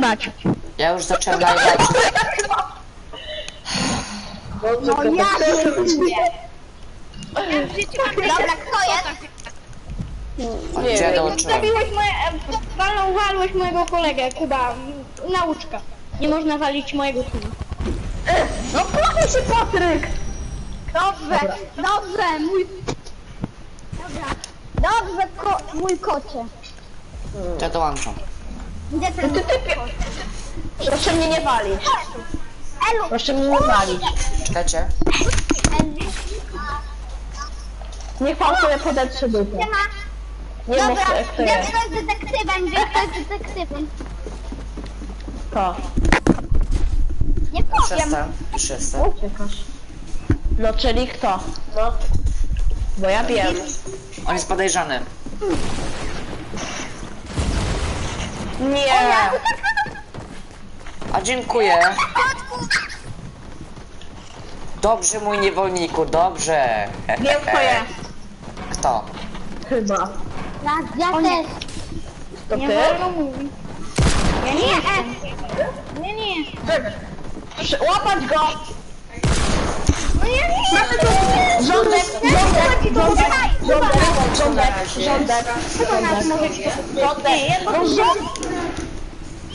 nagrywać. Ja już zacząłem nagrywać. No ja pierdolę. Dobra, kto jest? Gdzie dołączyłem? Zabiłeś walnąłeś mojego kolegę, Kuba. Nauczka. Nie można walić mojego syna. No proszę się, Patryk! Dobrze, mój... Dobra. Dobrze, mój kocie. Ja dołączam. Gdzie ten kot? Proszę mnie nie walić. Elu! Proszę mnie nie walić. Czekajcie. Niech pan sobie podetrze dupę. Nie ma. Nie Dobra, mów, kto wiem, jest. kto jest detektywem, wiem, kto jest detektywem. To. Nie powiem. Przestań. Już jestem. Uciekasz. No, czyli kto? No. Bo ja wiem. On jest podejrzany. Nie. A dziękuję. Dobrze, mój niewolniku, dobrze. Wiem, kto jest. Kto? Chyba. Ja też. To Nie ty? wolno mówić. Ja nie jestem. Nie jestem. Łapać go! No ja nie jestem. Rządek, rządek, rządek, rządek, rządek, Kto nas może... rządek, rządek,